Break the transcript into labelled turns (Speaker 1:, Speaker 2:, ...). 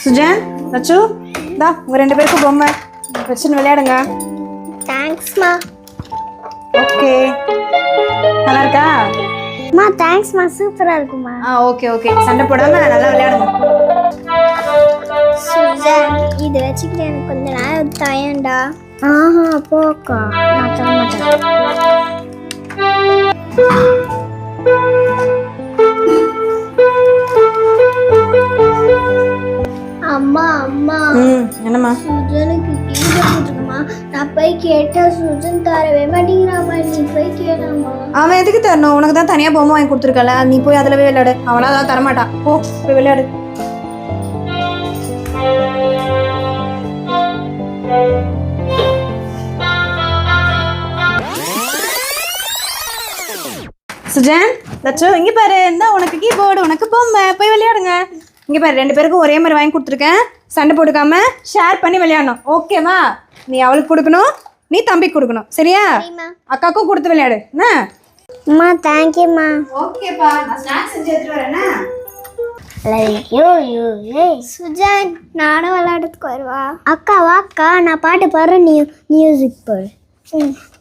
Speaker 1: சுஜன், லட்சு, தா உங்க 2 பேருக்கும் பொம்மை வச்சுன்னு விளையாடுங்க.
Speaker 2: தேங்க்ஸ்மா.
Speaker 1: ஓகே, நல்லா இருக்கா?
Speaker 2: மா தேங்க்ஸ்மா, சூப்பரா இருக்குமா.
Speaker 1: ஓகே ஓகே, சண்டை போடாம நல்லா விளையாடுங்க.
Speaker 2: சுஜன், இது வச்சுக்கிட்டு எனக்கு கொஞ்ச நேரம் தயண்டா. ஆஹா போக்கா, நான் தர மாட்டேன். அம்மா அம்மா,
Speaker 1: என்னம்மா?
Speaker 2: சுஜனுக்கு கீழே போட்டுருக்குமா. நான் போய் கேட்டா சுஜன் தரவே மாட்டேங்கிறாமா. நீ போய் கேளாமா.
Speaker 1: அவன் எதுக்கு தரணும்? உனக்கு தான் தனியா பொம்மை வாங்கி கொடுத்துருக்கல, நீ போய் அதுல போய் விளையாடு. அவனா தான் தரமாட்டான். போ போய் விளையாடு. சுஜன், லட்சு, இங்க பாரு, இந்த உனக்கு கீபோர்டு, உனக்கு பொம்மை, போய் விளையாடுங்க. இங்க பாரு, 2 பேருக்கும் ஒரே மாதிரி வாங்கி கொடுத்துருக்கேன். சண்டை போட்டுக்காம ஷேர் பண்ணி விளையாடணும். ஓகேவா? நீ அவளுக்கு கொடுக்கணும், நீ தம்பிக்கு கொடுக்கணும். சரியா? அக்காக்கும் கொடுத்து விளையாடு. என்ன?
Speaker 2: அம்மா தேங்க்யூம்மா.
Speaker 1: ஓகேப்பா, நான் ஸ்நாக்ஸ் செஞ்சு எடுத்துட்டு வரேன்னா.
Speaker 2: சுஜன், நானும் விளையாடுறதுக்கு வருவா. அக்கா வாக்கா, நான் பாட்டு பாடுறேன், நீ மியூசிக் பாடு.